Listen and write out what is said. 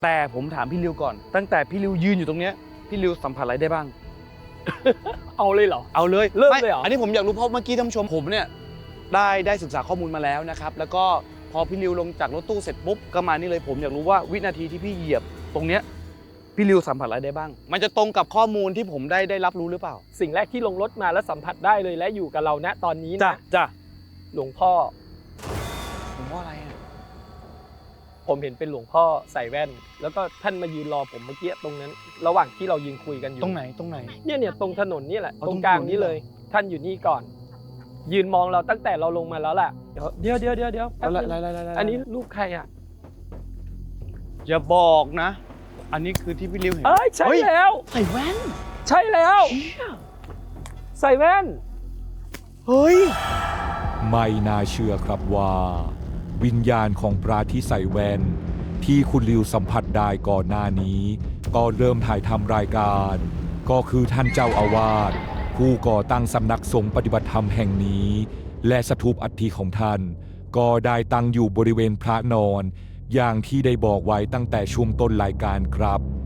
แต่ผมถามพี่ริวก่อนตั้งแต่พี่ริวยืนอยู่ตรงเนี้ยพี่ริวสัมผัสอะไรได้บ้างเอาเลยเหรอเอาเลยเริ่มไม่เลยเหรออันนี้ผมอยากรู้เพราะเมื่อกี้ท่านผู้ชมผมเนี่ยได้ศึกษาข้อมูลมาแล้วนะครับแล้วก็พอพี่ริวลงจากรถตู้เสร็จปุ๊บก็มานี่เลยผมอยากรู้ว่าวินาทีที่พี่เหยียบตรงเนี้ยพี่ริวสัมผัสอะไรได้บ้าง มันจะตรงกับข้อมูลที่ผมได้รับรู้หรือเปล่าสิ่งแรกที่ลงรถมาแล้วสัมผัสได้เลยและอยู่กับเราณตอนนี้จ้ะนะจ้ะหลวงพ่อผมว่าอะไรอ่ะผมเห็นเป็นหลวงพ่อใส่แว่น แล้วก็ท่านมายืนรอผมเมื่อกี้ตรงนั้น ระหว่างที่เรายืนคุยกันอยู่ตรงไหนตรงไหนเนี่ยตรงถนนนี่แหละเอาตตรรง งกลางถนนนี่นี้เลย ท่านอยู่นี่ก่อน ยืนมองเราตั้งแต่เราลงมาแล้วแหละเดี๋ยวแป๊บอะไรนึงอะไรอันนี้รูปใครอ่ะอย่าบอกนะ อันนี้คือที่พี่ริวเห็นเอ้ยใช่เฮ้ยแล้วใส่แว่นใช่แล้วใส่แว่นเฮ้ยไม่น่าเชื่อครับว่า วิญญาณของพระที่ใส่แว่นที่คุณลิวสัมผัสได้ก่อนหน้านี้ ก็เริ่มถ่ายทำรายการ ก็คือท่านเจ้าอาวาสผู้ก่อตั้งสำนักสงฆ์ปฏิบัติธรรมแห่งนี้ และสถูปอัฐิของท่าน ก็ได้ตั้งอยู่บริเวณพระนอน อย่างที่ได้บอกไว้ตั้งแต่ช่วงต้นรายการครับ